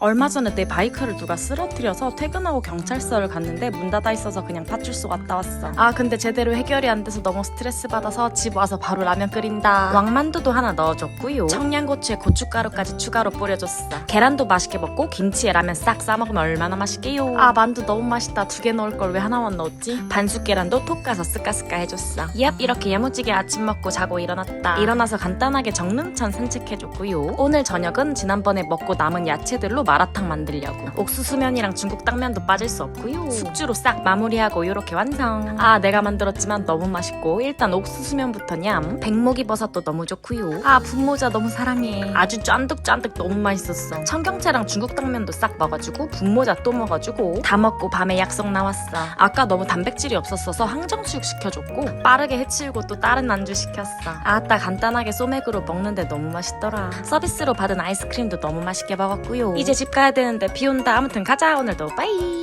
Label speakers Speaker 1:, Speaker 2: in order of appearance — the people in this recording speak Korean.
Speaker 1: 얼마 전에 내 바이크를 누가 쓰러뜨려서 퇴근하고 경찰서를 갔는데 문 닫아 있어서 그냥 파출소 갔다 왔어. 아 근데 제대로 해결이 안 돼서 너무 스트레스 받아서 집 와서 바로 라면 끓인다. 왕만두도 하나 넣어줬고요. 청양고추에 고춧가루까지 추가로 뿌려줬어. 계란도 맛있게 먹고 김치에 라면 싹 싸먹으면 얼마나 맛있게요. 아 만두 너무 맛있다. 2개 넣을 걸 왜 하나만 넣었지? 반숙 계란도 톡 가서 스까스까 해줬어. 얍 이렇게 야무지게 아침 먹고 자고 일어났다. 일어나서 간단하게 정릉천 산책해줬고요. 오늘 저녁은 지난번에 먹고 남은 야채들로 마라탕 만들려고. 옥수수면이랑 중국 당면도 빠질 수 없고요. 숙주로 싹 마무리하고 요렇게 완성. 아 내가 만들었지만 너무 맛있고 일단 옥수수면부터 냠. 백목이 버섯도 너무 좋고요. 아 분모자 너무 사랑해. 아주 쫀득쫀득 너무 맛있었어. 청경채랑 중국 당면도 싹 먹어주고 분모자 또 먹어주고 다 먹고 밤에 약속 나왔어. 아까 너무 단백질이 없었어서 항정수육 시켜줬고 빠르게 해치우고 또 다른 안주 시켰어. 아따 간단하게 소맥으로 먹는데 너무 맛있더라. 서비스로 받은 아이스크림도 너무 맛있게 먹었고요. 이제 집 가야 되는데 비 온다. 아무튼 가자 오늘도 빠이.